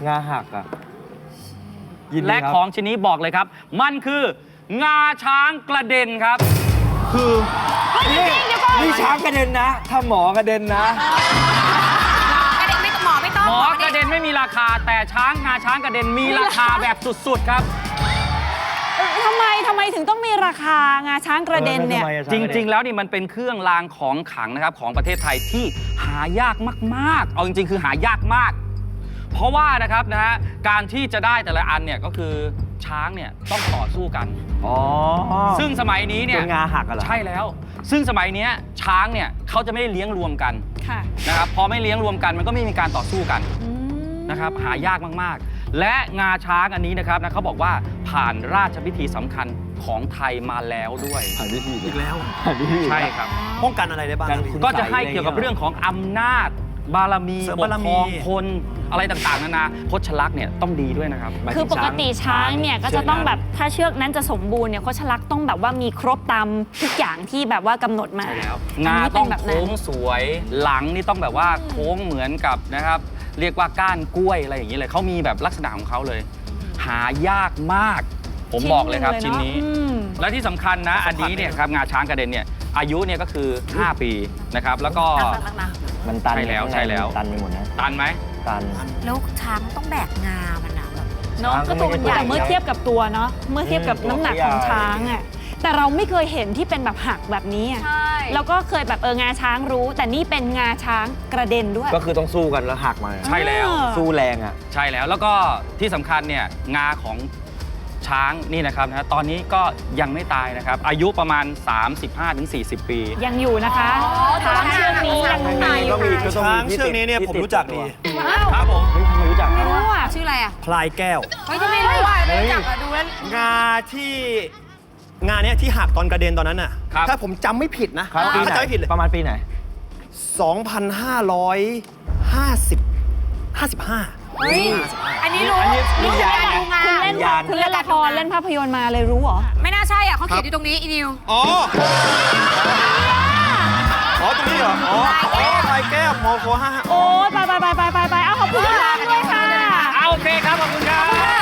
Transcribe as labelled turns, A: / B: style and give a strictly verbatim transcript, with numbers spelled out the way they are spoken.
A: งาหักอ่ะ
B: และของชิ้นนี้บอกเลยครับมันคืองาช้างกระเด็นครับ
A: คือนี่นี่ช้างกระเด็นนะถ้าหมอกระเด็นนะ
C: กระเด็นไม่หมอไม่ต้อง
B: หมอกระเด็นไม่มีราคาแต่ช้างงาช้างกระเด็นมีราคาแบบสุดๆครับ
D: ทำไมทำไมถึงต้องมีราคางาช้างกระเด็นเนี่ย
B: จริงๆแล้วนี่มันเป็นเครื่องรางของขลังนะครับของประเทศไทยที่หายากมากๆเอาจริงๆคือหายากมากเพราะว่านะครับนะฮะการที่จะได้แต่ละอันเนี่ยก็คือช้างเนี่ยต้องต่อสู้กัน
A: อ๋อ
B: ซึ่งสมัยนี้เนี่ย
A: งาหักเหรอ
B: ใช่แล้วซึ่งสมัยนี้ช้างเนี่ยเขาจะไม่ได้เลี้ยงรวมกันนะครับพอไม่เลี้ยงรวมกันมันก็ไม่มีการต่อสู้กันนะครับหายากมากๆและงาช้างอันนี้นะครับนะเขาบอกว่าผ่านราชพิธีสำคัญของไทยมาแล้วด้วย
A: ผ่านพิธี
E: อีกแล้ว
A: ผ่านพิธี
B: ใช่ครับ
E: ป้องกันอะไรได้บ้าง
B: ก็จะให้เกี่ยวกับเรื่องของอำนาจบารมีปกครองคนอะไรต่างๆนานาคชลักษณ์เนี่ยต้องดีด้วยนะครับ
D: คือปกติช้างเนี่ยก็จะต้องแบบถ้าเชือกนั้นจะสมบูรณ์เนี่ยคชลักษณ์ต้องแบบว่ามีครบตามทุกอย่างที่แบบว่ากำหนดมา
B: ใช่แล้วงาต้องโค้งสวยหลังนี่ต้องแบบว่าโค้งเหมือนกับนะครับเรียกว่าก้านกล้วยอะไรอย่างนี้เลยเขามีแบบลักษณะของเขาเลยหายากมากผมบอกเลยครับชิ้นนี้และที่สำคัญนะอันนี้เนี่ยครับงาช้างกระเด็นเนี่ยอายุเนี่ยก็คือห้าปีนะครับแล้วก็
A: มันตัน
B: ใช่แล้วใช่แล้ว
A: ตันไปหมดนะ
B: ตันไหม
A: ตัน
C: แล้วช้างต้องแบกงามันนะแบบ
D: เนาะก็ตัวมันใหญ่เมื่อเทียบกับตัวเนาะเมื่อเทียบกับน้ำหนักของช้างอ่ะแต่เราไม่เคยเห็นที่เป็นแบบหักแบบนี้อ่ะแล้วก็เคยแบบเอองาช้างรู้แต่นี่เป็นงาช้างกระเด็นด้วย
A: ก็คือต้องสู้กันแล้วหักมา
B: ใช่แล้ว
A: สู้แรงอ่ะ
B: ใช่แล้วแล้วก็ที่สำคัญเนี่ยงาของช้างนี่นะครับนะตอนนี้ก็ยังไม่ตายนะครับอายุประมาณ สามสิบห้าถึงสี่สิบ ปี
D: ยังอยู่นะคะช้างเชือกนี้ยังมีอยู่
E: ช้างเชือกนี้เนี่ยผมรู้จักดี
B: ครับผม
A: ไม่รู้จัก
D: ไม่รู้อ่ะ
C: ชื่ออะไรอ่ะ
E: พลายแก้ว
C: เฮ้ยจะไม่รู้ว่าไม่รู้จักอ่ะดูแล้ว
E: งาที่งาเนี้ยที่หักตอนกระเด็นตอนนั้นน่ะถ้าผมจำไม่ผิดนะ
A: ถ้า
E: จำไม่ผิดเลย
A: ประมาณปีไหน
E: สองพันห้าร้อยห้าสิบ ห้าสิบห้า
C: เฮ้ยอันนี้รู้รู้งานรู้งาน
D: คุณเล่นคุณเล่นละครเล่นภาพยนตร์มาเลยรู้เหรอ
C: ไม่น่าใช่อ่ะเขาเขียนอยู่ตรงนี้อีนิว
E: อ๋ออ๋อตรงนี้เหรออ๋ออ๋อพลายแก้วมอโคห้า
D: โอ้ยไปไปไปไปไปเอาขอบคุณมากด้วยค่ะ
B: โอเคครับขอบคุณครับ